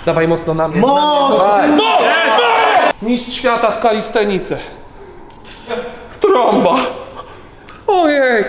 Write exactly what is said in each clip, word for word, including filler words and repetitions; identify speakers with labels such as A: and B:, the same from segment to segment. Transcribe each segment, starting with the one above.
A: Dawaj mocno na mnie.
B: Moc!
A: Mistrz świata w kalistenice. Trąba. Ojej.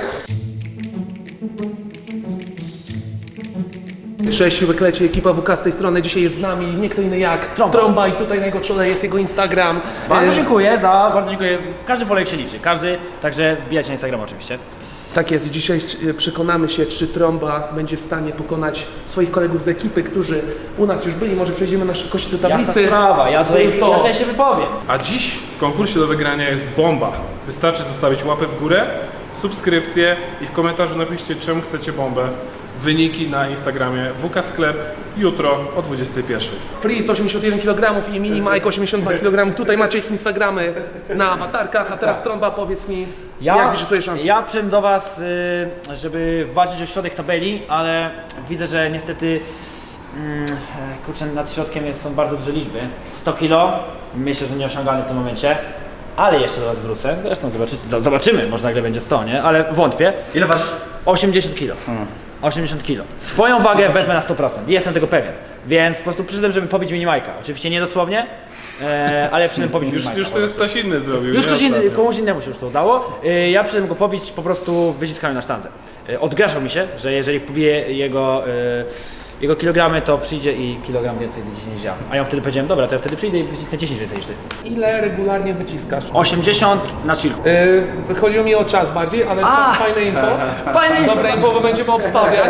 A: Cześć, Siłek-Leci, ekipa W K z tej strony. Dzisiaj jest z nami nie kto inny jak
C: Trąba.
A: Trąba i tutaj na jego czole jest jego Instagram.
C: Bardzo
A: E,
C: dziękuję za, bardzo dziękuję. Każdy follow się liczy, każdy, także wbijajcie na Instagram oczywiście.
A: Tak jest, dzisiaj e, przekonamy się, czy Trąba będzie w stanie pokonać swoich kolegów z ekipy, którzy u nas już byli. Może przejdziemy na szybkości do
C: Jasna
A: tablicy.
C: sprawa, ja tutaj,
A: To-
C: ja tutaj się wypowiem.
D: A dziś w konkursie do wygrania jest bomba. Wystarczy zostawić łapę w górę, subskrypcję i w komentarzu napiszcie, czemu chcecie bombę. Wyniki na Instagramie W K Sklep jutro o dwudziestej pierwszej.
A: Freeze osiemdziesiąt jeden kilogramów i Mini Mike osiemdziesiąt dwa kilogramy. Tutaj macie ich Instagramy na awatarkach, a teraz Trąba, powiedz mi, jak widzisz swoje szanse?
C: Ja przyszedłem do was, y, żeby walczyć o środek tabeli, ale widzę, że niestety mm, kurczę, nad środkiem jest, są bardzo duże liczby. sto kilo, myślę, że nieosiągalne w tym momencie. Ale jeszcze do was wrócę, zresztą zobaczy, zobaczymy, może nagle będzie sto, nie? Ale wątpię.
B: Ile ważysz?
C: osiemdziesiąt kilo. osiemdziesiąt kilo. Swoją wagę wezmę na sto procent. Jestem tego pewien. Więc po prostu przyszedłem, żeby pobić minimajka. Oczywiście nie dosłownie, e, ale przyszedłem pobić
D: Już,
C: minimajka.
D: już to jest ktoś inny zrobił.
C: Już
D: nie?
C: ktoś inny,
D: Ostatnio.
C: komuś innemu się już to udało. E, ja przyszedłem go pobić po prostu wyciskami na sztandze. E, odgraszał mi się, że jeżeli pobiję jego, e, jego kilogramy, to przyjdzie i kilogram więcej wyciśnie niż ja. A ja wtedy powiedziałem, dobra, to ja wtedy przyjdę i wycisnę dziesięć więcej niż ty.
A: Ile regularnie wyciskasz?
C: osiemdziesiąt na chillu.
A: Yy, chodziło mi o czas bardziej, ale
C: A!
A: fajne info.
C: Fajne info.
A: Dobre info, bo będziemy obstawiać.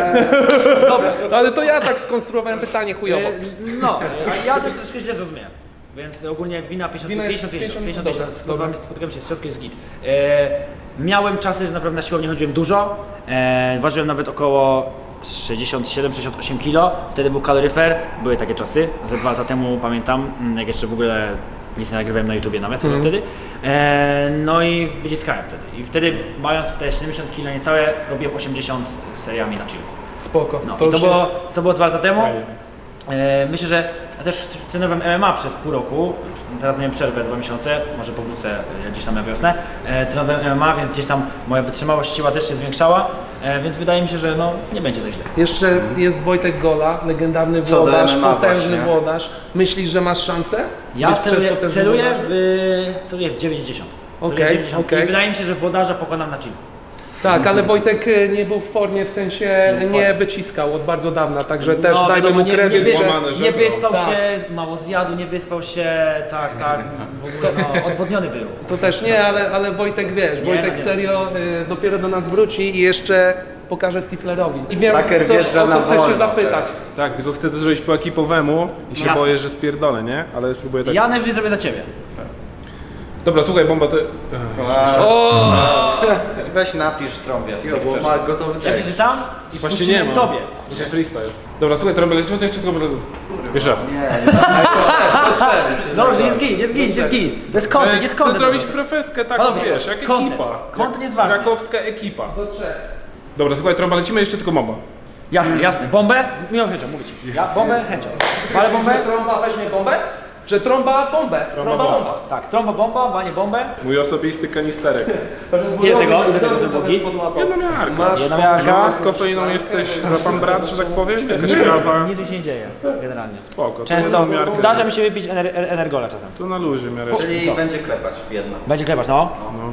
A: Dobra, ale to ja tak skonstruowałem pytanie chujowo.
C: E, No, a ja też troszkę źle zrozumiałem. Więc ogólnie wina pięćdziesiąt
A: Wina jest
C: pięćdziesiąt pięćdziesiąt,
A: pięćdziesiąt,
C: pięćdziesiąt,
A: dobra,
C: spotykamy, spotykamy się z środkiem, jest git. E, miałem czasy, że naprawdę na siłownię chodziłem dużo. E, ważyłem nawet około sześćdziesiąt siedem sześćdziesiąt osiem kilo. Wtedy był kaloryfer, były takie czasy. Ze dwa lata temu pamiętam, mm, jak jeszcze w ogóle nic nie nagrywałem na YouTubie nawet chyba wtedy. E, no i wyciskałem wtedy. I wtedy mając te siedemdziesiąt kilo niecałe, robiłem osiemdziesiąt seriami na chillu.
A: Spoko.
C: No,
A: to
C: i to
A: już
C: było,
A: jest...
C: to było dwa lata temu.
D: Fajnie.
C: E, myślę, że ja też trenowałem M M A przez pół roku. Teraz miałem przerwę dwa miesiące, może powrócę e, gdzieś tam na wiosnę. E, trenowałem M M A, więc gdzieś tam moja wytrzymałość, siła też się zwiększała, e, więc wydaje mi się, że no, nie będzie tak źle.
A: Jeszcze jest Wojtek Gola, legendarny
B: Co do
A: włodarz,
B: M M A
A: potężny
B: właśnie.
A: włodarz. Myślisz, że masz szansę?
C: Ja
A: Być przed
C: celuję,
A: potężnym
C: celuję,
A: włodarzem?
C: w, celuję w dziewięćdziesiąt. Celuję w
A: Okej,
C: dziewięćdziesiąt.
A: okej.
C: I wydaje mi się, że włodarza pokonam na chillu.
A: Tak, ale Wojtek y, nie był w formie, w sensie
C: Nie był w
A: nie
C: formie.
A: wyciskał od bardzo dawna, także też dajmy
C: wiadomo,
A: mu
C: nie, nie,
A: kredyt,
C: wy,
A: że...
D: Złamane
C: nie
D: żebro.
C: wyspał
A: Tak.
C: się, mało zjadł, nie wyspał się, tak, tak, w ogóle no, odwodniony był.
A: To też nie, ale, ale Wojtek wiesz,
C: Nie,
A: Wojtek
C: no nie.
A: serio y, dopiero do nas wróci i jeszcze pokaże Stiflerowi. I wiem,
B: Saker
A: co,
B: wjeżdża
A: o
B: na
A: co chcesz się
B: wolno
A: zapytać.
B: teraz.
D: Tak, tylko chcę to zrobić po ekipowemu i się
C: Jasne.
D: boję, że spierdolę, nie? Ale spróbuję tak.
C: Ja najwyżej zrobię za ciebie.
D: Dobra, słuchaj, bomba to...
B: A, weź napisz trąbie.
E: Bo ma gotowy
C: Ja
E: tekst.
C: przeczytam i
D: Właśnie
C: puścimy
D: nie mam.
C: tobie.
D: To jest freestyle. Dobra, słuchaj, trąbę lecimy, to jeszcze tylko... Jeszcze raz.
B: Nie, nie.
C: Dobrze, jest git, jest git, jest git. To jest content, jest
D: Chcę
C: content.
D: zrobić profeskę taką,
C: Panowie,
D: wiesz, jak
C: content.
D: ekipa.
C: Content
D: Jak
C: jest ważny.
D: Krakowska ekipa.
A: Do trzech.
D: Dobra, słuchaj, trąba, lecimy, jeszcze tylko bomba.
C: Jasne, jasne. Bombę? Miło chęcią, mówić. Ja bombę chęcią. Ale bombę?
A: Że trąba weźmie bombę? Że trąba bombę, trąba
D: bomba.
A: bomba.
C: Tak, trąba bomba, wanie bombę.
D: Mój osobisty kanisterek.
C: Ile tego? Ile tego zrobił?
D: Jedna miarka.
A: Masz
C: Jedna miarka.
D: Z kofeiną jesteś za pan brat, że tak powiem? Jakaś kawa.
C: Nic tu się nie dzieje, generalnie.
D: Spoko, to
C: Często
D: jedną miarkę.
C: zdarza mi się wypić ener energola czasem.
D: Tu na luzie miarę.
B: Czyli będzie klepać jedno.
C: Będzie klepać, no.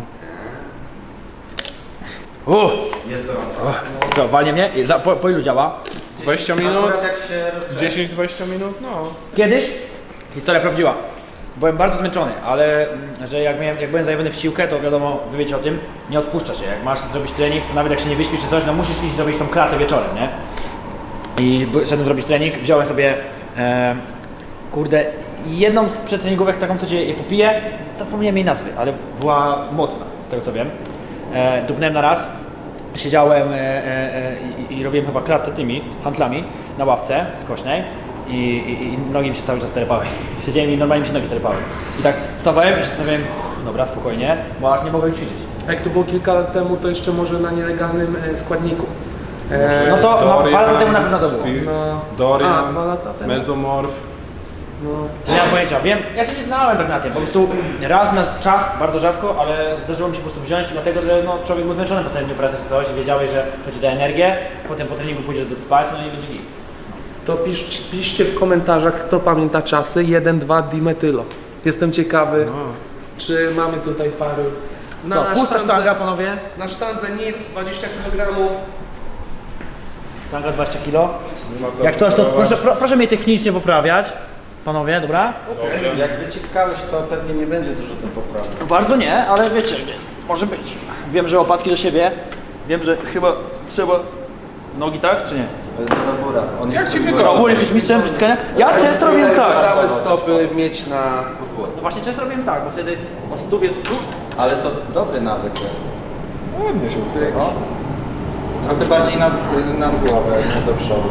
B: Jest gorąco.
C: Co, walnie mnie? Za, po, po ilu działa?
D: dwadzieścia minut?
B: Akurat jak się rozgrzeje.
D: dziesięć dwadzieścia minut? No.
C: Kiedyś historia prawdziwa. Byłem bardzo zmęczony, ale mm, że jak, miałem, jak byłem zajawiony w siłkę, to wiadomo, wy wiecie o tym, nie odpuszcza się. Jak masz zrobić trening, to nawet jak się nie wyśpisz czy coś, no musisz iść zrobić tą klatę wieczorem, nie? I by- szedłem zrobić trening, wziąłem sobie, e, kurde, jedną z przedtreningówek, taką co cię je popiję, zapomniałem jej nazwy, ale była mocna, z tego co wiem. E, dupnąłem na raz, siedziałem e, e, e, i, i robiłem chyba klatę tymi handlami na ławce skośnej. I, i, i nogi mi się cały czas terepały. Siedziałem i normalnie mi się nogi terepały. I tak wstawałem i się zastanawiałem, dobra, spokojnie, bo aż nie mogłem ćwiczyć.
A: Jak to było kilka lat temu, to jeszcze może na nielegalnym e, składniku. E,
C: No to no,
D: Dorian,
C: dwa lata temu na pewno to było.
D: Steve,
A: no,
D: Dorian,
A: a, dwa lata temu.
D: Mezomorf.
A: No.
C: Nie mam pojęcia, wiem, ja się nie znałem tak na tym, po prostu raz na czas, bardzo rzadko, ale zdarzyło mi się po prostu wziąć, dlatego że no, człowiek był zmęczony po całym dniu pracy czy coś, wiedziałeś, że to ci da energię, potem po treningu pójdziesz do spać, no i będzie git.
A: to pisz, piszcie w komentarzach, kto pamięta czasy jeden dwa dimetylo. Jestem ciekawy, czy mamy tutaj paru. Na
C: Co, pusta
A: sztandze-
C: sztanga, panowie?
A: Na sztandze nic, dwadzieścia kilogramów.
C: Sztanga dwadzieścia kilo. Jak coś, to proszę, pro, proszę mnie technicznie poprawiać. Panowie, dobra?
B: Jak wyciskałeś, to pewnie nie będzie dużo do poprawy.
C: Bardzo nie, ale wiecie, jest. Może być. Wiem, że łopatki do siebie. Wiem, że chyba trzeba... Nogi tak, czy nie?
B: Do Robura. On jest
D: ci
B: tu
D: wygodnie?
B: gościem.
C: Ogólnie jesteś mistrzem wyciskania? Ja często robiłem tak.
A: Całe stopy mieć na podłodze.
C: No właśnie często robiłem tak, bo wtedy o stóp jest tu.
B: Ale to dobry nawyk jest.
D: Ładnie się ustawiasz.
B: No. Trochę bardziej nad, nad głowę, nie do przodu.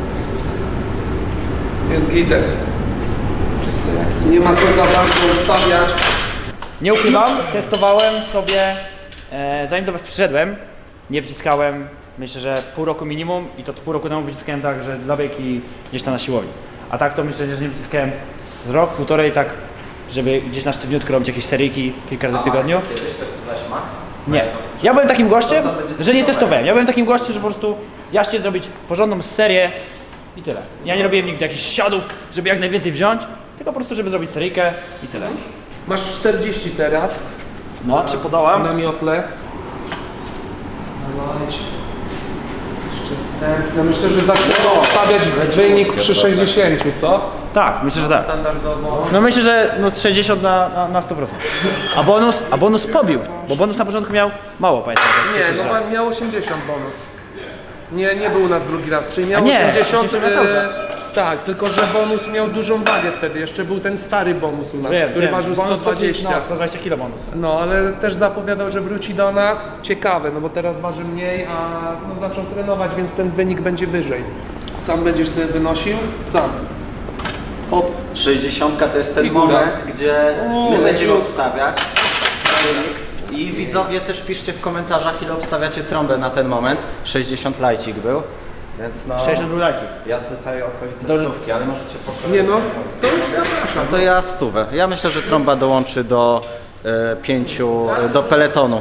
A: Jest gites. Nie ma co za bardzo ustawiać.
C: Nie ukrywam, testowałem sobie, e, zanim do was przyszedłem, nie wciskałem, myślę, że pół roku minimum i to pół roku temu wyciskałem tak, że dla beki gdzieś tam na siłowni. A tak to myślę, że nie wyciskałem z rok, półtorej tak, żeby gdzieś na sztywniutko robić jakieś seryjki kilka razy w tygodniu.
B: Max, kiedyś testowałeś Max?
C: Nie. Ja byłem takim gościem,
B: To co będzie
C: że nie
B: testować?
C: testowałem. Ja byłem takim gościem, że po prostu ja chciałem zrobić porządną serię i tyle. Ja nie robiłem nigdy jakichś siadów, żeby jak najwięcej wziąć, tylko po prostu, żeby zrobić seryjkę i tyle.
A: Masz czterdzieści teraz
C: No, czy podałam?
A: na miotle. Dawajcie. Jeszcze wstępne. Myślę, że zaczniemy stawiać wynik przy sześćdziesięciu, co?
C: Tak, myślę, że tak.
A: Standardowo.
C: No myślę, że no sześćdziesiąt na, na, na sto procent. A bonus, a bonus pobił, bo bonus na początku miał mało, pamiętam. jak
A: Nie,
C: pierwszy
A: no
C: raz.
A: pan miał osiemdziesiąt bonus. Nie, nie był u nas drugi raz, czyli miał
C: A nie,
A: osiemdziesiąt.
C: osiemdziesiąt cały
A: E,
C: czas.
A: tak, tylko że bonus miał dużą wagę wtedy. Jeszcze był ten stary bonus u nas,
C: Wiem,
A: który
C: wiem,
A: ważył
C: bonus
A: sto dwadzieścia.
C: No, sto dwadzieścia kilo bonus.
A: No, ale też zapowiadał, że wróci do nas. Ciekawe, no bo teraz waży mniej, a no, zaczął trenować, więc ten wynik będzie wyżej. Sam będziesz sobie wynosił? Sam. Hop.
B: sześćdziesiąt to jest ten
A: Figura.
B: moment, gdzie
A: O,
B: my będziemy
A: już.
B: obstawiać i widzowie też piszcie w komentarzach, ile obstawiacie trąbę na ten moment. sześćdziesiąt lajcik był, więc no
C: sześćdziesiąt rulaki.
B: ja tutaj okolice
C: Dobrze.
B: stówki, ale możecie po kolei.
A: Nie no, to już zapraszam.
B: To ja stówę. Ja myślę, że trąba dołączy do e, pięciu, e, do peletonu.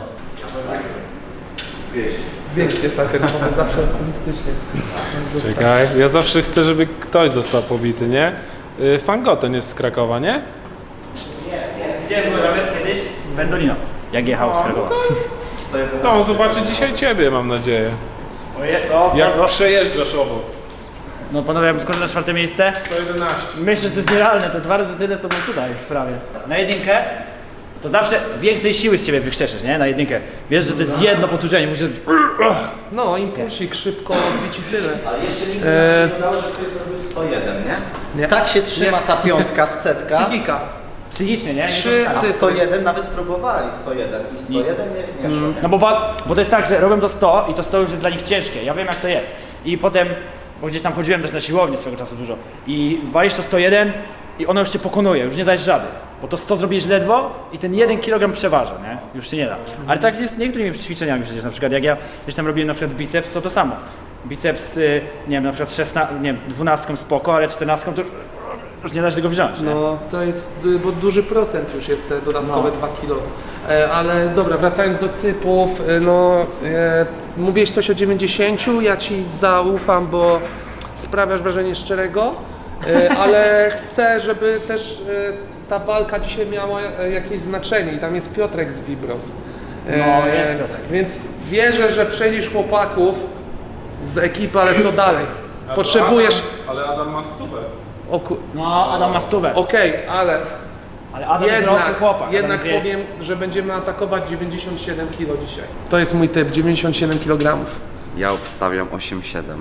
A: dwieście saker, bo zawsze optymistycznie.
D: Czekaj, ja zawsze chcę, żeby ktoś został pobity, nie? Y, Fangoten jest z Krakowa, nie?
C: Widziałem go nawet kiedyś w Pendolino, jak jechał z Krakowa.
D: To on zobaczy dzisiaj ciebie, mam nadzieję.
C: Oje, o,
D: Jak
C: o,
D: przejeżdżasz obok.
C: no panowie, ja skończę na czwarte miejsce.
D: sto jedenaście.
C: Myślę, że to jest nierealne, to dwa razy tyle co mam tutaj prawie. Na jedynkę to zawsze więcej siły z siebie wykrzeszysz, nie? Na jedynkę. Wiesz, że to jest jedno powtórzenie, musisz zrobić...
A: No, impulsik, szybko odbić i tyle.
B: Ale jeszcze nigdy
A: Eee.
B: nie się nie udało, że ktoś zrobił sto jeden, nie?
A: Nie.
B: Tak się trzyma
A: Nie.
B: ta piątka z setka.
A: Psychika.
C: Psychicznie, nie? Nie
A: Trzy
C: to-
B: A
A: cyfry.
B: sto jeden nawet próbowali, sto jeden i sto jeden nie, nie szło. Nie?
C: No bo, wa- bo to jest tak, że robią to sto i to sto już jest dla nich ciężkie. Ja wiem jak to jest. I potem, bo gdzieś tam chodziłem też na siłownię swego czasu dużo i walisz to sto jeden i ono już cię pokonuje, już nie dajesz rady. Bo to sto zrobisz ledwo i ten jeden kilogram przeważa, nie? Już się nie da. Ale tak jest z niektórymi ćwiczeniami przecież, na przykład jak ja gdzieś tam robiłem na przykład biceps, to to samo. Biceps, y, nie wiem, na przykład szesnastką, nie wiem, dwunastką spoko, ale czternastką to już, już nie da się tego wziąć, nie?
A: No, to jest, y, bo duży procent już jest te dodatkowe
C: No.
A: dwa kilo. E, ale dobra, wracając do typów, y, no, e, mówiłeś coś o dziewięćdziesięciu, ja ci zaufam, bo sprawiasz wrażenie szczerego, e, ale chcę, żeby też e, ta walka dzisiaj miała e, jakieś znaczenie i tam jest Piotrek z Vibros. E,
C: No, jest Piotrek.
A: Więc wierzę, że przejdziesz chłopaków z ekipy, ale co dalej? Potrzebujesz...
D: Ale Adam ma stówę.
A: O, ku-
C: No, Adam ma stówę.
A: Okej, ale
C: Ale Adam jest dorosły
A: jednak,
C: chłopak.
A: jednak
C: Adam wie-
A: powiem, że będziemy atakować dziewięćdziesiąt siedem kilo dzisiaj. To jest mój typ, dziewięćdziesiąt siedem kilogramów.
E: Ja obstawiam osiem siedem.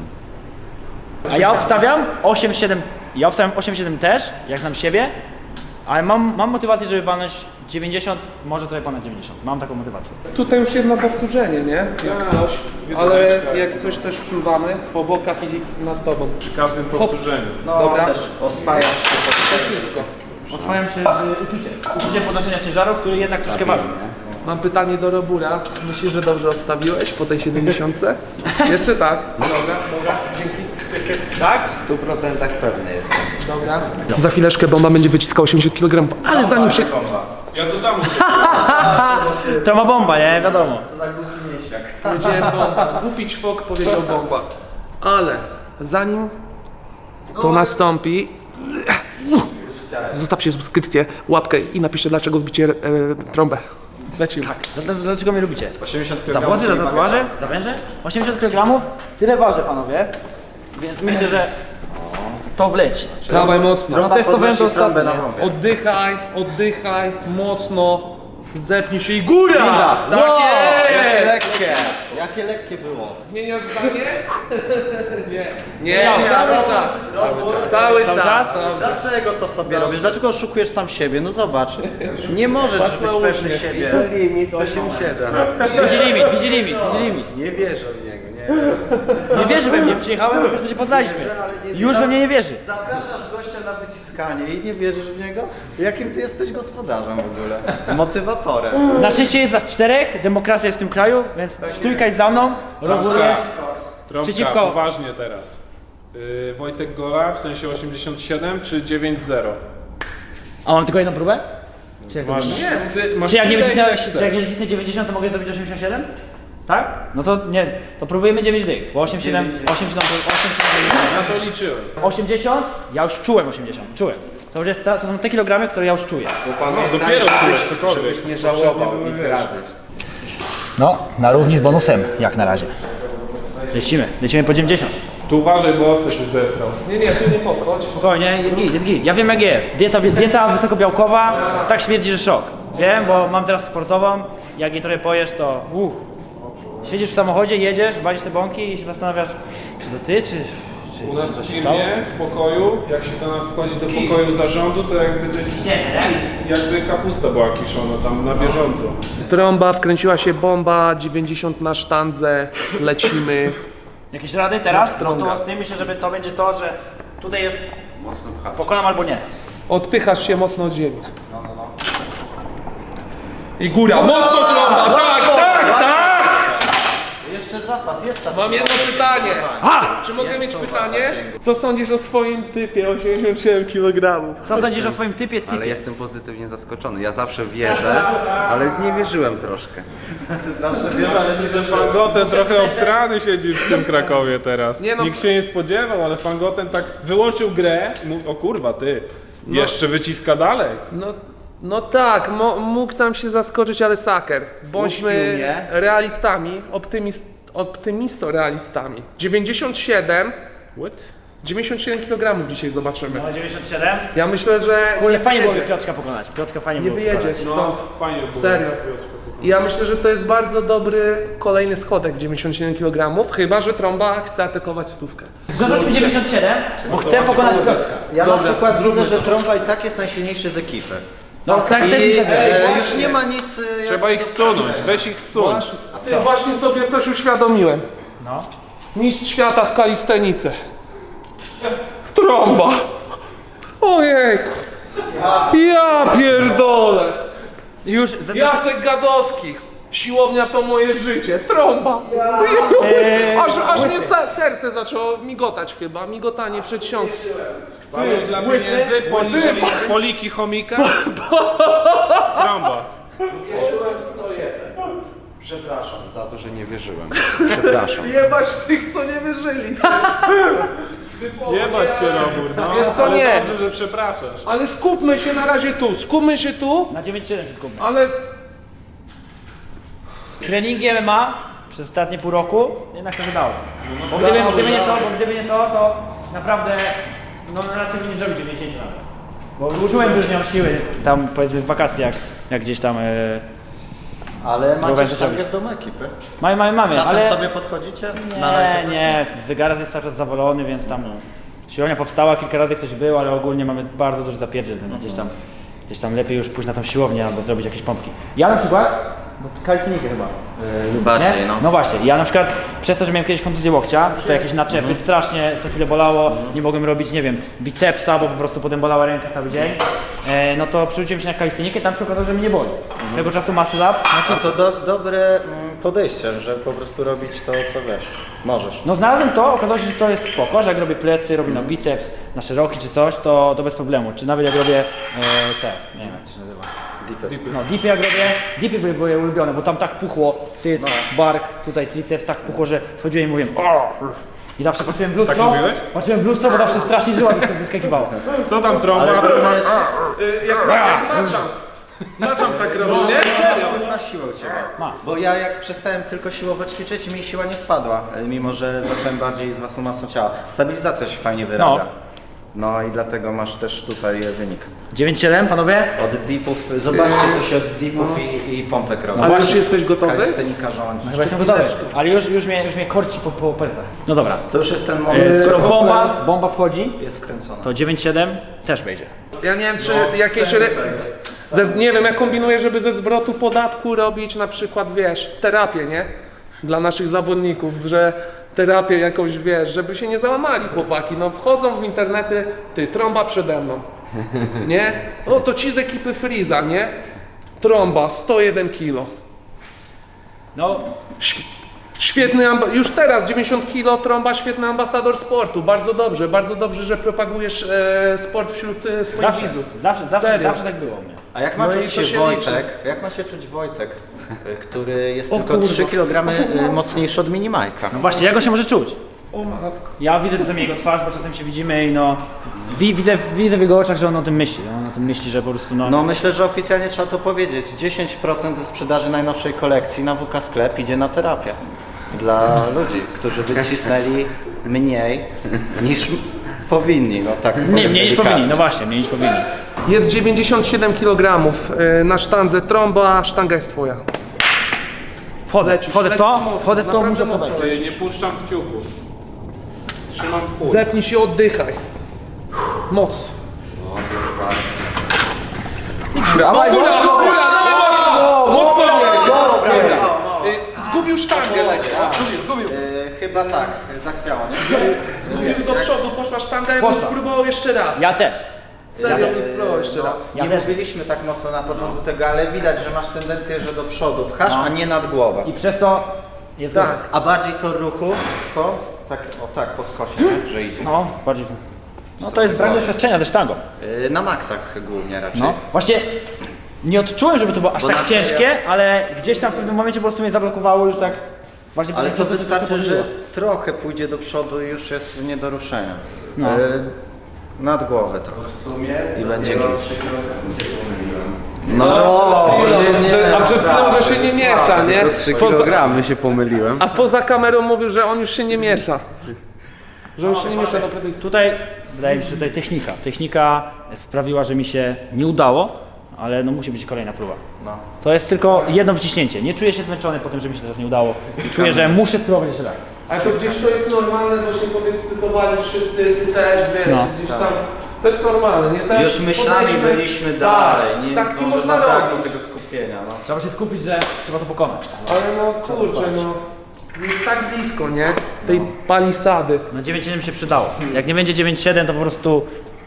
C: A ja obstawiam osiem siedem, ja obstawiam osiem siedem też, jak znam siebie, ale mam, mam motywację, żeby walnąć dziewięćdziesiąt, może trochę ponad dziewięćdziesiąt. Mam taką motywację.
A: Tutaj już jedno powtórzenie, nie? Jak coś, ale jak coś też wczuwamy po bokach i nad tobą.
D: Przy każdym powtórzeniu.
B: No
A: Dobra.
B: też oswajasz się pod
A: Techniczko.
C: Oswajam się z uczuciem. Uczuciem podnoszenia ciężaru, który jednak troszkę waży.
A: Mam pytanie do Robura. Myślisz, że dobrze odstawiłeś po tej siedemdziesiątce? Jeszcze tak. Dobra, dobra, dzięki.
C: Tak?
E: W stu procentach pewny jestem.
A: Dobra. Za chwileczkę bomba będzie wyciskał osiemdziesiąt kilogramów, ale zanim się...
D: Ja to samo.
C: To ma bomba, nie? Wiadomo.
B: Co za głupi miesiak.
A: Powiedziałem bomba. Głupi ćwok powiedział bomba. Ale zanim to nastąpi. Zostawcie subskrypcję, łapkę i napiszcie, dlaczego wbicie e, trąbę. Lecimy.
C: Dl- Dlaczego mnie lubicie?
B: osiemdziesiąt
C: Za
B: kilogramów.
C: włosy, za tatuaże, za węże? osiemdziesiąt kilogramów? Tyle waży, panowie. Więc myślę, że to wleci.
A: Dawaj mocno.
C: No testowałem to
B: Podnosi trąbę
C: ostatnio.
B: na bombie.
A: Oddychaj, oddychaj, mocno. Zepnij się i góra!
B: Góra!
A: Tak
B: Wow, jakie
A: jest!
B: lekkie! Jakie lekkie było.
A: Zmieniasz zdanie? Nie. Nie, cały czas. Cały czas.
C: czas?
A: Dobrze.
B: Dlaczego to sobie robisz? Dlaczego oszukujesz sam siebie? No zobacz. Nie możesz
A: Patrz
B: być
A: na
B: pewny
A: uśmiech.
B: siebie.
E: Limit osiem siedem.
C: Widzi limit, widzi limit, widzi limit.
E: Nie wierzę w niego, nie.
C: Nie wierzy we mnie, przyjechałem, po prostu się poznaliśmy. Już we mnie nie wierzy.
B: Zapraszasz gościa na wyciskanie i nie wierzysz w niego? Jakim ty jesteś gospodarzem w ogóle? Motywatorem.
C: Na szczęście jest nas czterech, demokracja jest w tym kraju, więc trójka jest za mną, rozumiem.
D: Trąbka,
C: Przeciwko-
D: poważnie teraz. Yy, Wojtek Gola w sensie osiemdziesiąt siedem czy dziewięć zero?
C: A mam tylko jedną próbę? Czy jak to
D: Masz,
C: wygląda?
D: ty, masz
C: Czy jak nie
D: tyle,
C: wycisnę,
D: ile
C: czy jak nie
D: chcesz.
C: wycisnę dziewięćdziesiąt, to mogę zrobić osiemdziesiąt siedem? Tak? No to nie, to próbujemy dziewięć dych, bo osiemdziesiąt siedem, osiemdziesiąt siedem,
D: Na to liczyłem.
C: osiemdziesiąt, ja już czułem osiemdziesiąt, czułem. To, już jest ta, to są te kilogramy, które ja już czuję.
D: No, dopiero czujesz cokolwiek.
E: Żebyś nie żałował
D: Poprzednie
E: ich
D: były,
E: rady.
C: No, na równi z bonusem, jak na razie. Lecimy, lecimy po dziewięćdziesiąt.
D: Tu uważaj, bo owce się zesrał.
A: Nie, nie, tu nie podchodź.
C: Spokojnie, jest git, jest git. Ja wiem jak jest. Dieta, dieta wysokobiałkowa, tak śmierdzi, że szok. Wiem, bo mam teraz sportową, jak jej trochę pojesz, to uh. Siedzisz w samochodzie, jedziesz, walisz te bąki i się zastanawiasz, czy to ty, czy... czy
D: U nas
C: coś
D: w
C: się stało?
D: firmie, w pokoju, jak się do nas wchodzi do pokoju zarządu, to jakby coś jakby kapusta była kiszona tam na bieżąco.
A: Trąba, wkręciła się bomba, dziewięćdziesiąt na sztandze, lecimy.
C: Jakieś rady teraz?
A: Strąga.
C: No to z tym myślę, żeby to będzie to, że tutaj jest
E: Mocno pchać.
C: pokonam albo nie.
A: Odpychasz się mocno od ziemi. I góra, mocno trąba, tak, tak, tak!
B: Jeszcze zapas, jest ta
A: Mam jedno pytanie.
C: A!
A: Czy mogę mieć pytanie? Co sądzisz o swoim typie osiemdziesiąt siedem kilogramów?
C: Co sądzisz o swoim typie? typie?
E: Ale jestem pozytywnie zaskoczony. Ja zawsze wierzę, ale nie wierzyłem troszkę.
B: Zawsze wierzę, ale
D: Myślę, że Fangoten trochę obsrany siedzi w tym Krakowie teraz.
A: Nie no.
D: Nikt się nie spodziewał, ale Fangoten tak wyłączył grę i mówi, o kurwa ty, jeszcze wyciska dalej.
A: No, no tak, mo, mógł tam się zaskoczyć, ale saker. Bądźmy
E: Uśpił mnie.
A: realistami, optymist, optymisto-realistami. dziewięćdziesiąt siedem,
D: What?
A: dziewięćdziesiąt siedem kilogramów dzisiaj zobaczymy.
C: No dziewięćdziesiąt siedem?
A: Ja myślę, że
C: Kurde,
A: nie
C: fajnie byłoby
A: wyjedzie.
C: Piotrka pokonać. Piotrka fajnie
A: Nie
C: było
A: wyjedzie
C: pokonać.
A: stąd.
D: No, fajnie było.
A: Serio.
D: Piotrka.
A: Ja myślę, że to jest bardzo dobry kolejny schodek dziewięćdziesiąt siedem kilogramów, chyba że Trąba chce atakować stówkę.
C: Zgadzasz mi dziewięćdziesiąt siedem, bo chcę pokonać Piotrka.
B: Ja na przykład widzę, że Trąba i tak jest najsilniejszy z ekipy.
C: No tak
B: I
C: też mi się
B: e,
C: wydaje.
B: już nie ma nic... e,
D: Trzeba ich zsunąć, weź ich zsuń.
A: Ty, właśnie sobie coś uświadomiłem.
C: No.
A: Mistrz świata w kalistenice. Trąba. Ojejku. Ja pierdolę.
C: Już za,
A: Jacek Gadowski. Siłownia to moje życie. Trąba.
C: Eee,
A: Aż, aż mnie se- serce zaczęło migotać chyba. Migotanie przedsionku.
D: Paweł dla pieniędzy, policzyli poliki chomika. Trąba.
E: Wierzyłem w sto jeden. Przepraszam za to, że nie wierzyłem. Przepraszam.
A: Jebać tych, co nie wyżyli.
D: Jebać cię, Robur. No,
A: Wiesz co,
D: ale
A: nie.
D: dobrze, że przepraszasz.
A: Ale skupmy się na razie tu. Skupmy się tu.
C: na dziewięć siedem się skupmy.
A: Ale
C: Treningi M M A przez ostatnie pół roku jednak się wydało. Bo gdyby, gdyby nie to, bo gdyby nie to, to naprawdę no raczej bym nie zrobił dziewięćdziesiąt nawet. Bo uczułem, że już nie mam siły tam powiedzmy w wakacje jak, jak gdzieś tam e,
B: Ale macie
C: Próbowałem
B: sztangę
C: zrobić.
B: w domu ekipy.
C: mamy, mamy, mamy,
B: Czasem
C: ale
B: sobie podchodzicie? Nalejecie
C: nie,
B: coś?
C: nie, zegarek jest cały czas zawolony, więc tam siłownia powstała, kilka razy ktoś był, ale ogólnie mamy bardzo duży zapierdziel, więc gdzieś tam, gdzieś tam lepiej już pójść na tą siłownię albo zrobić jakieś pompki. Ja na przykład, bo kalistenikę chyba. Yy,
E: Bardziej,
C: nie?
E: no.
C: No właśnie, ja na przykład przez to, że miałem kiedyś kontuzję łokcia, to jakieś naczepy, strasznie co chwilę bolało, nie mogłem robić, nie wiem, bicepsa, bo po prostu potem bolała ręka cały dzień. E, no to przerzuciłem się na kalistenikę, tam się okazało, że mnie nie boli. Swego czasu Muscle Up,
B: A to do, dobre mm, podejście, że po prostu robić to, co wiesz. Możesz.
C: no znalazłem to, okazało się, że to jest spoko, że jak robię plecy, robię na biceps, na szeroki czy coś, to, to bez problemu. Czy nawet jak robię e, te, nie wiem jak to się nazywa.
B: Dipy.
C: No, dipy jak robię, dipy były, były ulubione, bo tam tak puchło, cyc, bark, tutaj triceps, tak puchło, że schodziłem i mówiłem o, I zawsze patrzyłem w lustro,
D: Tak mówiłeś?
C: patrzyłem w lustro, bo zawsze strasznie żyła wyskakiwało.
D: Co tam trąba?
B: Ale to też
A: Y, Jak, jak maczam. Maczam tak robił, nie? Serio.
B: wpływ na siłę u Ciebie.
C: Ma.
B: Bo ja jak przestałem tylko siłowo ćwiczyć, mi siła nie spadła, mimo że zacząłem bardziej z własną masą ciała. Stabilizacja się fajnie wyrabia. No i dlatego masz też tutaj wynik.
C: dziewięć siedem, panowie?
B: Od dipów, zobaczcie co się od dipów i, i pompek robi.
A: Ale już
C: właśnie.
A: jesteś gotowy?
B: Kalistenika rządzi.
C: Chyba jestem gotowy, ale już, już, mnie, już mnie korci po, po plecach. No dobra,
B: To już jest ten
C: e,
B: moment,
C: skoro
B: skoro
C: bomba, bomba wchodzi,
B: jest wkręcona.
C: to dziewięć siedem też wejdzie.
A: Ja nie wiem, czy jakieś... Re... Ze, nie wiem, ja kombinuję, żeby ze zwrotu podatku robić na przykład, wiesz, terapię, nie? Dla naszych zawodników, że terapię jakąś, wiesz, żeby się nie załamali chłopaki. No wchodzą w internety, ty, trąba przede mną, nie? O, to ci z ekipy Freeza, nie? Trąba, sto jeden kilo.
C: No,
A: Świetny, amba- już teraz dziewięćdziesiąt kilo, trąba, świetny ambasador sportu. Bardzo dobrze, bardzo dobrze, że propagujesz e, sport wśród e, swoich
C: zawsze,
A: widzów.
C: zawsze, zawsze,
A: Serio.
C: zawsze tak było u mnie.
B: A jak ma
A: No i
B: czuć
A: to
B: się
A: się
B: Wojtek, jak ma się czuć Wojtek, y, który jest
A: O
B: tylko
A: kurwa.
B: trzy kilogramy y, mocniejszy od Minimajka?
C: No właśnie, jak on się może czuć?
A: O matko.
C: Ja widzę czasem jego twarz, bo czasem się widzimy i no... Wi, widzę, widzę w jego oczach, że on o tym myśli. On o tym myśli, że po prostu no...
B: No myślę, że oficjalnie trzeba to powiedzieć. dziesięć procent ze sprzedaży najnowszej kolekcji na W K Sklep idzie na terapię. Dla ludzi, którzy wycisnęli mniej niż powinni. No tak
C: Nie,
B: powiem
C: mniej niż
B: delikatnie.
C: powinni, no właśnie, mniej niż powinni.
A: Jest dziewięćdziesiąt siedem kilogramów e, na sztandze trąba, sztanga jest twoja.
C: Wchodzę, wchodzę w to, wchodzę w to,
A: Naprawdę
C: muszę
A: mocno.
C: podać.
D: Ej, nie puszczam kciuków. Trzymam w chuj.
A: Zepnij się, oddychaj. Moc.
E: Dawaj,
A: Góra,
E: mocno!
A: góra, no, mocno! Mocno! Y, Zgubił sztangę lekko.
B: Yy, chyba tak, zachwiało, nie?
A: Zgubił do przodu, poszła sztanga, ja bym
C: Poszła.
A: spróbował jeszcze raz.
C: Ja też.
A: Serio bym spróbował jeszcze raz.
C: Ja
B: nie
C: też.
B: mówiliśmy tak mocno na początku tego, ale widać, że masz tendencję, że do przodu pchasz,
C: No.
B: a nie nad głowę.
C: I przez to jest
A: Tak.
C: gorzej.
B: A bardziej to ruchu stąd, tak, o tak, po skosie, nie? Że idzie.
C: No, bardziej... No to jest brak doświadczenia ze sztangą.
B: Yy, na maksach głównie raczej.
C: No, właśnie nie odczułem, żeby to było aż
B: Bo
C: tak
B: na serio-
C: ciężkie, ale gdzieś tam w pewnym momencie po prostu mnie zablokowało już tak właśnie.
B: Ale
C: po
B: to
C: prostu
B: wystarczy,
C: tylko
B: że
C: chodziło.
B: trochę pójdzie do przodu i już jest nie do ruszenia.
C: No.
B: Yy, nad głowę trochę.
E: W sumie
B: I będzie
E: dopiero
B: git.
E: trzy kilogramy się pomyliłem.
B: No,
A: chwilą, że- a przed chwilą, że się nie miesza, nie?
E: Tylko trzy
A: Poza-
E: kilogramy się pomyliłem.
A: A poza kamerą mówił, że on już się nie miesza. Że już się nie miesza do produkcji.
C: Tutaj wydaje mi się, że tutaj technika. Technika sprawiła, że mi się nie udało, ale no musi być kolejna próba.
B: No.
C: To jest tylko jedno wciśnięcie. Nie czuję się zmęczony po tym, że mi się teraz nie udało. Czuję, że muszę spróbować jeszcze raz.
A: Ale to gdzieś to jest normalne, właśnie podekscytowali wszyscy, ty też, wiesz,
C: No.
A: gdzieś tam. To jest normalne, nie? Teraz
B: Już myślami
A: podejdźmy-
B: byliśmy
A: tak,
B: dalej. Nie,
A: tak nie
B: może
A: można
B: zabrakło
A: robić.
B: tego skupienia. No.
C: Trzeba się skupić, że trzeba to pokonać.
A: Ale no kurczę, no. Jest tak blisko, nie? Tej palisady.
C: No dziewięć siedem się przydało. Jak nie będzie dziewięć siedem, to po prostu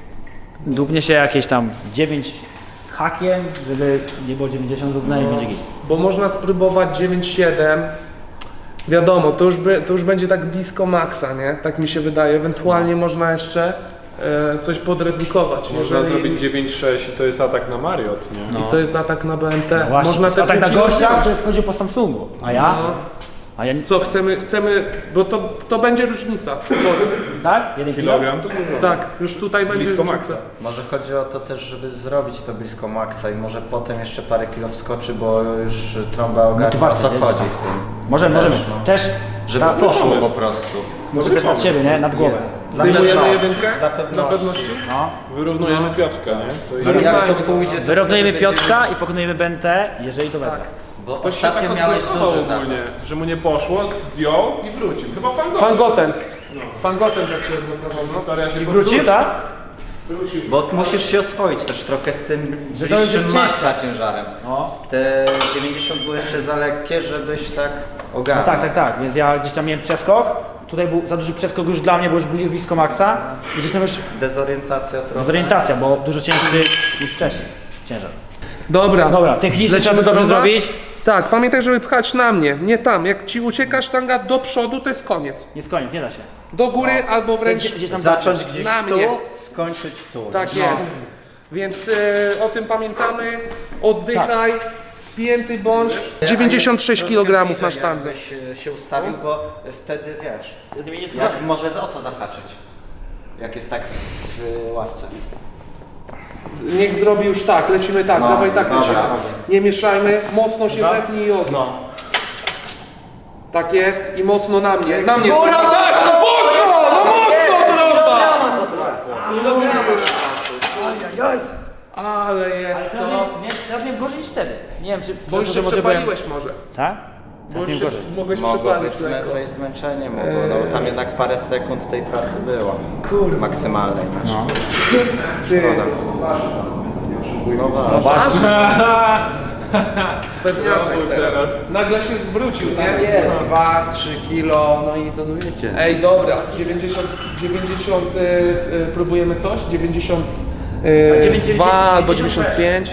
C: dupnie się jakieś tam dziewięć z hakiem, żeby nie było dziewięćdziesiąt równe i będzie git.
A: Bo można spróbować dziewięć siedem. Wiadomo, to już, by, to już będzie tak blisko maksa, nie? Tak mi się wydaje. Ewentualnie można jeszcze e, coś podredukować.
D: Można
A: jeżeli-
D: zrobić dziewięć sześć i to jest atak na Mariot, nie?
C: No.
A: I to jest atak na B N T.
C: Właśnie,
A: Można
C: to
A: te
C: tak na
A: pół kilo
C: gościa,
A: wziąć.
C: który wchodził po Samsungu, a ja?
A: No.
C: A ja nic.
A: Co, chcemy, chcemy, bo to, to będzie różnica. Sporo.
C: Tak? Jeden kilo?
D: Kilogram to dużo.
A: Tak, już tutaj będzie
D: Blisko
A: różnica.
D: maksa.
B: Może chodzi o to też, żeby zrobić to blisko maksa i może potem jeszcze parę kilo wskoczy, bo już trąba ogarnia, o
C: Motywacja,
B: co
C: wiesz,
B: chodzi
C: tak.
B: w tym.
C: Możemy,
B: Też,
C: możemy.
B: no.
C: Też,
B: Żeby
C: ta-
B: poszło
D: pomysł.
B: po prostu.
C: może też nad siebie, nie? Nad głowę.
B: Dla
A: Zdejmujemy
B: pewności,
A: jedynkę?
B: Dla
A: Na
B: pewności.
A: pewności?
C: No.
D: Wyrównujemy Piotrka, nie? To
B: I jak to
A: Wyrównajmy.
B: pójdzie, to
C: Wyrównujemy
B: wtedy będzie-
C: Piotrka i pokonujemy B N T, jeżeli to wezmę.
B: Bo
D: Ktoś się
B: ostatnio
D: tak
B: miałeś
D: odblokował
B: duży
D: ogólnie,
B: zapas.
D: że mu nie poszło, zdjął i wrócił. Chyba Fangoten.
A: Fangoten. Fangoten tak się odblokował. no.
D: Historia się
C: Wrócił, tak?
B: Bo musisz się oswoić też trochę z tym
C: Że to już
B: bliższym
C: jest
B: maksa ciężarem.
C: No.
B: Te dziewięćdziesiąt były jeszcze za lekkie, żebyś tak
C: No
B: ogarnął.
C: tak, tak, tak, więc ja gdzieś tam miałem przeskok, tutaj był za duży przeskok już dla mnie, bo już bli- blisko maksa i gdzieś tam już
B: Dezorientacja trochę.
C: dezorientacja, bo dużo cięższy niż wcześniej, ciężar.
A: Dobra.
C: Dobra, technicznie
A: Lecimy
C: trzeba to dobrze
A: trąba?
C: zrobić,
A: Tak, pamiętaj, żeby pchać na mnie, nie tam. Jak ci ucieka sztanga do przodu, to jest koniec.
C: jest koniec, nie da się.
A: Do góry albo wręcz
C: Gdzieś, gdzieś tam
B: Zacząć gdzieś
A: Na
B: tu,
A: mnie.
B: skończyć tu.
A: tak jest. Więc e, o tym pamiętamy, oddychaj, spięty bądź. dziewięćdziesiąt sześć kilogramów na sztandze.
B: Żebyś e, się ustawił, bo wtedy wiesz,
C: Wtedy mnie nie
B: jak
C: słucha.
B: może za o to zahaczyć, jak jest tak w ławce.
A: Niech zrobi już tak, lecimy tak,
B: No,
A: dawaj tak
B: dobra,
A: lecimy.
B: dobra.
A: Nie mieszajmy, mocno się zepnij i odno.
B: No.
A: Tak jest i mocno na mnie, na mnie.
B: Góra,
A: Tak, mocno, no mocno trąba!
B: Kilograma zabrakło. Kilograma.
A: Ale jest co?
C: Nie, teraz miałem gorzej niż wtedy. Nie wiem, czy...
A: Bo już
C: że
A: się
C: może
A: przepaliłeś może.
C: Byłem... Tak?
A: Bo już
C: miałem
A: się
C: gorzej.
A: mogłeś
B: Mogło być
A: przepalić
B: zmę-
A: lekko.
B: wejść zmęczenie, mogło, no bo tam jednak parę sekund tej pracy było.
A: Kurde.
B: Maksymalnej. No.
A: Ty,
B: No właśnie.
A: pewniaczek teraz. Nagle się wrócił, nie?
E: Jest dwa trzy kilo, no i to wiecie.
A: Ej, dobra, dziewięćdziesiąt, dziewięćdziesiąt y, y, próbujemy coś? dziewięćdziesiąt dwa albo dziewięćdziesiąt pięć.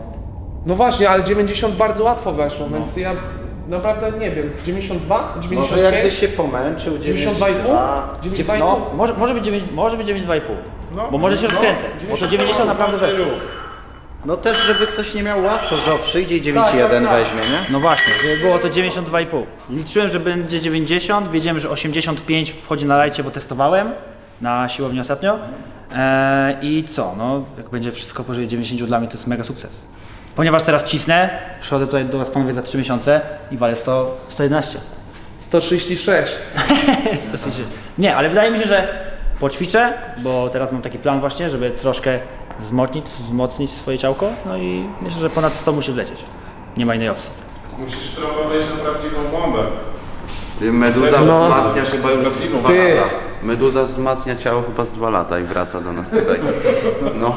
A: No właśnie, ale dziewięćdziesiąt bardzo łatwo weszło, więc ja naprawdę nie wiem. dziewięćdziesiąt dwa?
B: Może
A: dziewięćdziesiąt
B: jakbyś
A: pięć?
B: się pomęczył,
A: dziewięćdziesiąt dwa i pół? dziewięćdziesiąt dwa i pół?
C: No, może, może być dziewięć, może być dziewięć dwa i pół.
D: No.
C: Bo może się rozkręcę. Bo to dziewięćdziesiąt naprawdę weszło.
B: No też, żeby ktoś nie miał łatwo, że o, przyjdzie i dziewięć jeden
A: tak, tak.
B: weźmie, nie?
C: No właśnie, żeby było to dziewięćdziesiąt dwa i pół. Liczyłem, że będzie dziewięćdziesiąt, wiedziałem, że osiemdziesiąt pięć wchodzi na lajcie, bo testowałem na siłowni ostatnio. Eee, I co, no jak będzie wszystko powyżej dziewięćdziesiąt dla mnie to jest mega sukces. Ponieważ teraz cisnę, przychodzę tutaj do was panowie za trzy miesiące i walę sto, sto jedenaście.
A: sto trzydzieści sześć.
C: sto trzydzieści. Nie, ale wydaje mi się, że poćwiczę, bo teraz mam taki plan właśnie, żeby troszkę wzmocnić, wzmocnić swoje ciałko, no i myślę, że ponad sto musi wlecieć. Nie ma innej opcji.
D: Musisz trochę wejść na prawdziwą bombę.
E: Ty, meduza
A: No.
E: wzmacnia chyba już z dwa
A: Ty.
E: lata. Meduza wzmacnia ciało chyba z dwa lata i wraca do nas tutaj. No.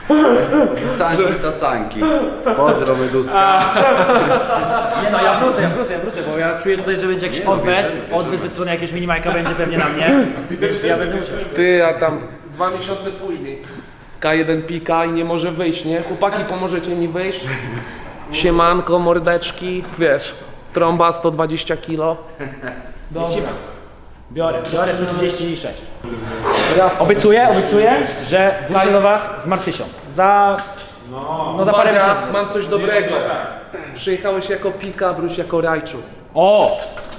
E: Canki, cacanki. Pozdro Meduzka.
C: Nie no, ja wrócę, ja wrócę, ja wrócę, bo ja czuję tutaj, że będzie jakiś odwet, odwet ze strony jakiegoś minimajka będzie pewnie na mnie, więc ja będę musiał.
A: Ty, a tam dwa miesiące później. K jeden pika i nie może wyjść, nie? Chłopaki, pomożecie mi wyjść? Siemanko, mordeczki, wiesz, trąba sto dwadzieścia kilo. Dobra.
C: Biorę, biorę sto trzydzieści sześć. Obiecuję, obiecuję, że wrócę do was z Marcysią. Za... No za parę
A: Uwaga,
C: miesięcy.
A: mam coś dobrego. Przyjechałeś jako pika, wróć jako rajczu.
C: O!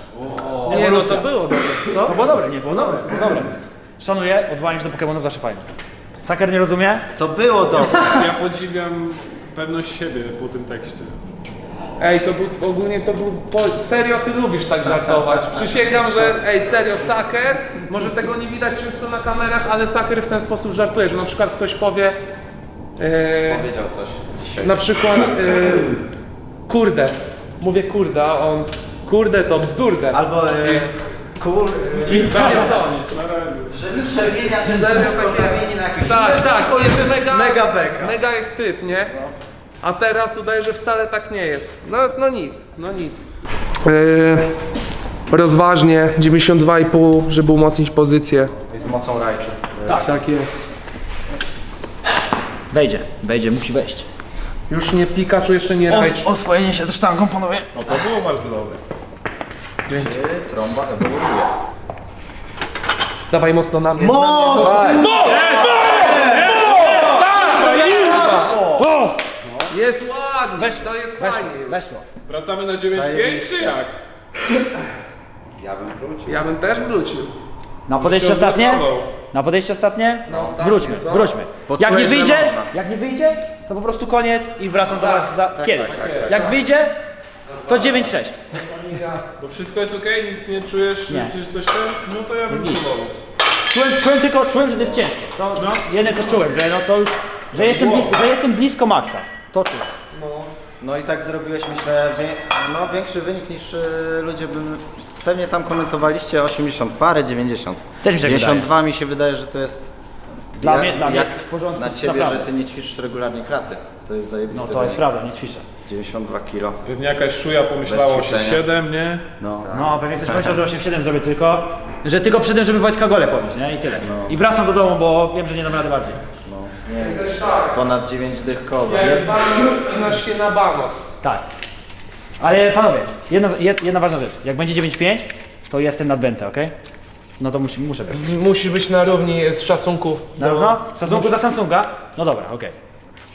A: Nie no, to było dobre, co?
C: To było dobre, nie było dobre, było dobre. Szanuję, odwołanie się do Pokemonów zawsze fajne. Saker nie rozumie?
B: To było dobre.
D: Ja podziwiam pewność siebie po tym tekście.
A: Ej, to był ogólnie, to był, po, serio ty lubisz tak żartować. Przysięgam, że, ej, serio, Saker, może tego nie widać często na kamerach, ale Saker w ten sposób żartuje, że na przykład ktoś powie, e,
B: Powiedział coś dzisiaj.
A: na przykład, e, kurde, mówię kurde, a on, kurde to bzdurde.
B: Albo e, kur...
A: I takie coś.
B: Że przemienia ten
A: Serio
B: słówko
A: takie-
B: zamieni na jakieś
A: Tak,
B: inne
A: tak,
B: słówko,
A: to jest mega,
B: mega beka.
A: mega jest typ, nie? A teraz udaje, że wcale tak nie jest. No, no nic, no nic. Yy, rozważnie, dziewięćdziesiąt dwa i pół, żeby umocnić pozycję.
B: I z mocą rajczu.
A: Tak, tak jest.
C: Wejdzie, wejdzie, musi wejść.
A: Już nie Pikachu, jeszcze nie Raichu.
C: Oswojenie się ze sztangą, panowie.
D: No to było bardzo dobre.
B: Czy trąba ewoluuje?
A: Dawaj mocno na mnie.
B: Moc!
A: Jest ładnie, to jest fajnie.
C: Weszło.
D: Wracamy na dziewięć pięć czy jak?
E: Ja bym wrócił.
A: Ja bym też wrócił.
C: Na podejście
D: Się
C: ostatnie?
D: odblokował.
C: Na podejście ostatnie?
A: Na ostatnie,
C: Wróćmy,
A: co?
C: wróćmy.
B: Poczułeś,
C: Jak nie
B: że
C: wyjdzie,
B: można.
C: jak nie wyjdzie, to po prostu koniec i wracam do was za kiedy.
B: tak, tak,
C: Jak wyjdzie, to dziewięć sześć.
D: Bo wszystko jest okej, nic nie czujesz,
C: Nie.
D: czy coś tam? No to ja bym próbował.
C: Czułem, czułem tylko, czułem, że to jest ciężkie. To
D: No.
C: jedyne co czułem, że no to już, że jestem blisko, że jestem blisko maksa. To czułem.
B: No i tak zrobiłeś, myślę, wie, no, większy wynik niż y, ludzie by... Pewnie tam komentowaliście osiemdziesiąt parę, dziewięćdziesiąt.
C: Też mi się
B: dziewięćdziesiąt dwa
C: wydaje.
B: mi się wydaje, że to jest...
C: Dla
B: jak,
C: mnie- dla mnie
B: jak
C: jest w porządku,
B: na ciebie,
C: naprawdę.
B: że ty nie ćwiczysz regularnie klaty. To jest zajebiste.
C: No to jest
B: wynik.
C: prawda, nie ćwiczę.
B: dziewięćdziesiąt dwa kilo.
D: Pewnie jakaś szuja pomyślała
B: Bez ćwiczenia.
D: osiem siedem, nie?
B: No.
C: No pewnie ktoś pomyślał, że osiem siedem zrobię tylko, że tylko przy tym, żeby Wojtka Gole pobić, nie? I tyle.
B: No.
C: I wracam do domu, bo wiem, że nie dam rady bardziej.
A: Też tak.
B: Ponad dziewięć dych koza.
A: Jak banot, spinasz się na banot.
C: Tak. Ale panowie, jedna, jed- jedna ważna rzecz. Jak będzie dziewięć pięć, to jestem nadbęty, okej? No to musi, muszę być.
A: Musisz być na równi z szacunku.
C: Na
A: do-
C: równo? W szacunku za Samsunga? No dobra, okej.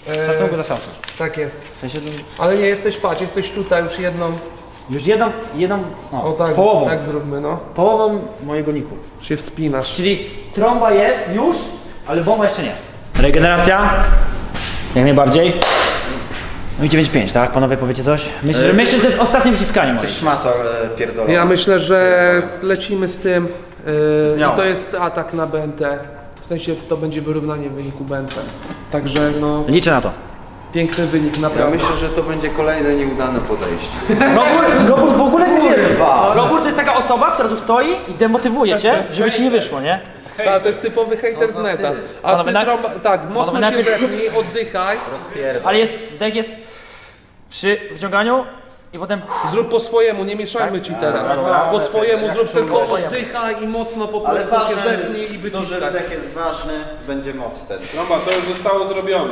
C: W szacunku za Samsung.
A: Tak jest.
C: W sensie,
A: Ale nie jesteś, patrz, jesteś tutaj już jedną,
C: już jedną, jedną no,
A: o tak,
C: połową,
A: tak zróbmy, no.
C: połową mojego niku.
A: Się wspinasz.
C: Czyli trąba jest już, ale bomba jeszcze nie. Regeneracja? Jak najbardziej. No i dziewięć pięć, tak? Panowie powiecie coś? Myślę, że,
B: E,
C: myślę, że to jest ostatnie wyciskanie moje.
B: Ty szmato e, pierdolona.
A: Ja myślę, że lecimy z tym. Yy,
B: nią.
A: i to jest atak na B N T. W sensie to będzie wyrównanie wyniku B N T. Także no,
C: Liczę na to.
A: piękny wynik
E: Ja
A: naprawdę.
E: myślę, że to będzie kolejne nieudane podejście.
C: Robór, Robór w ogóle nie wierzy. Robór to jest taka osoba, która tu stoi i demotywuje cię, żeby ci nie wyszło, nie?
A: Tak, to jest typowy hejter z neta. A
C: Panowie,
A: ty
C: na-
A: trąba, tak, mocno się
C: najpierw-
A: zepnij, oddychaj.
B: Rozpierdol.
C: Ale jest, dek jest przy wciąganiu i potem
A: Zrób po swojemu, nie mieszajmy ci teraz. Po swojemu zrób tylko oddychaj i mocno po
B: Ale
A: prostu się
B: ważne,
A: zepnij i
B: duży
A: wyciskaj.
B: wdech jest ważny, będzie moc wtedy.
D: Trąba, to już zostało zrobione.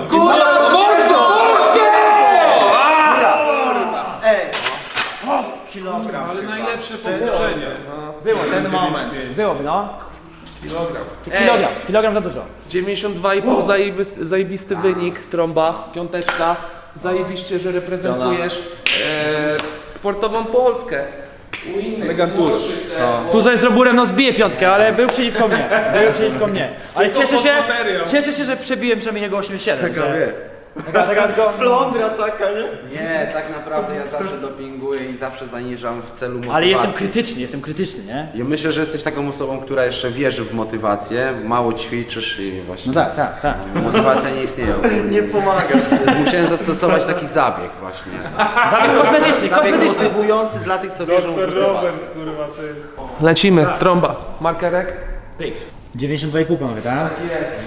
B: Ej! Kilogram.
D: Ale najlepsze powtórzenie.
C: było.
B: Ten moment.
C: Byłoby, no.
A: Kilogram.
C: Kilogram, kilogram za dużo.
A: dziewięćdziesiąt dwa i pół zajebisty, zajebisty wynik, trąba, piąteczka. Zajebiście, że reprezentujesz e, sportową Polskę. U innych
D: Elegantura.
A: młodszych, e,
C: Tu z Roburem no zbije piątkę, ale był przeciwko mnie. Był przeciwko mnie. Ale
D: Tylko
C: cieszę
D: pod
C: się,
D: materiał.
C: cieszę się, że przebiłem przynajmniej jego osiemdziesiąt siedem. Że... Taka, taka tylko...
B: Flądra taka, nie?
E: Nie, tak naprawdę ja zawsze dopinguję i zawsze zaniżam w celu motywacji.
C: Ale jestem krytyczny, jestem krytyczny, nie?
E: Ja myślę, że jesteś taką osobą, która jeszcze wierzy w motywację, mało ćwiczysz i właśnie
C: No tak, tak, tak.
E: motywacja nie istnieje.
B: Nie pomagasz.
E: Musiałem zastosować taki zabieg właśnie.
C: Zabieg kosmetyczny,
E: Zabieg
C: kosmetyczny.
E: motywujący dla tych, co wierzą w
D: Doktor
E: motywację.
D: Robert, kurwa, ty.
A: Lecimy, trąba. Markerek?
C: Pyk. dziewięćdziesiąt dwa i pół panowie, tak?
A: Jest.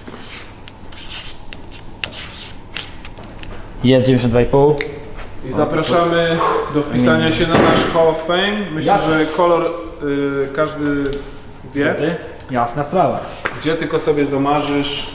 C: Jest dziewięćdziesiąt dwa i pół.
D: I zapraszamy do wpisania się na nasz Hall of Fame. Myślę,
C: Jasne.
D: że kolor y, każdy wie,
C: Ty? Jasna sprawa.
D: gdzie tylko sobie zamarzysz.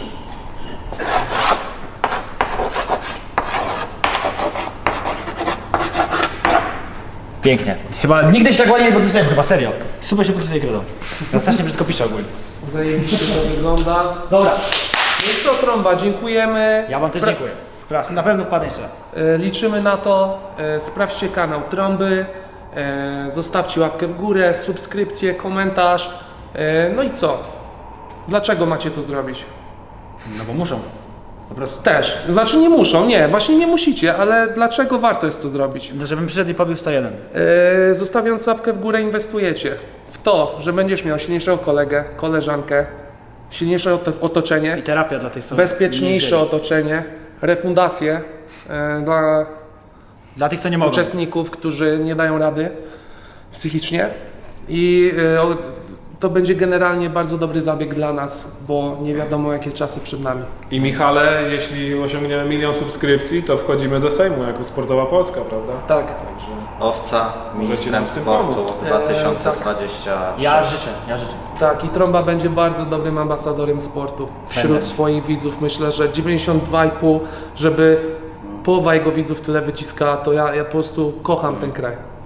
C: Pięknie. Chyba nigdy się tak ładnie nie podpisałem, chyba serio. Super się podpisuje kredą. Ja strasznie brzydko piszę ogólnie.
A: Zajebiście to wygląda.
C: Dobra,
A: No i co trąba, dziękujemy.
C: ja wam też
A: Spra-
C: dziękuję. Sprawdź, na pewno wpadnę jeszcze raz.
A: E, Liczymy na to. E, Sprawdźcie kanał Trąby. e, Zostawcie łapkę w górę, subskrypcję, komentarz. E, No i co? Dlaczego macie to zrobić?
C: No bo muszą. Po prostu.
A: Też. Znaczy nie muszą, nie, właśnie nie musicie, ale dlaczego warto jest to zrobić?
C: No, żebym przyszedł i pobił sto jeden.
A: E, Zostawiając łapkę w górę inwestujecie w to, że będziesz miał silniejszego kolegę, koleżankę, silniejsze oto- otoczenie,
C: I terapia dla tych, co...
A: bezpieczniejsze
C: nie
A: otoczenie, refundację e, dla
C: Dla tych, co nie mogą.
A: uczestników, którzy nie dają rady psychicznie i e, o- to będzie generalnie bardzo dobry zabieg dla nas, bo nie wiadomo jakie czasy przed nami.
D: I Michale, jeśli osiągniemy milion subskrypcji, to wchodzimy do Sejmu jako Sportowa Polska, prawda?
A: Tak.
D: Także
B: Owca, ministrem
D: nam w tym
B: sportu
D: pomóc.
B: dwa tysiące dwudziesty szósty.
C: Ja życzę, ja życzę.
A: Tak, i Trąba będzie bardzo dobrym ambasadorem sportu wśród
C: Będę.
A: swoich widzów. Myślę, że dziewięćdziesiąt dwa i pół, żeby połowa jego widzów tyle wyciska, to ja, ja po prostu kocham ten kraj.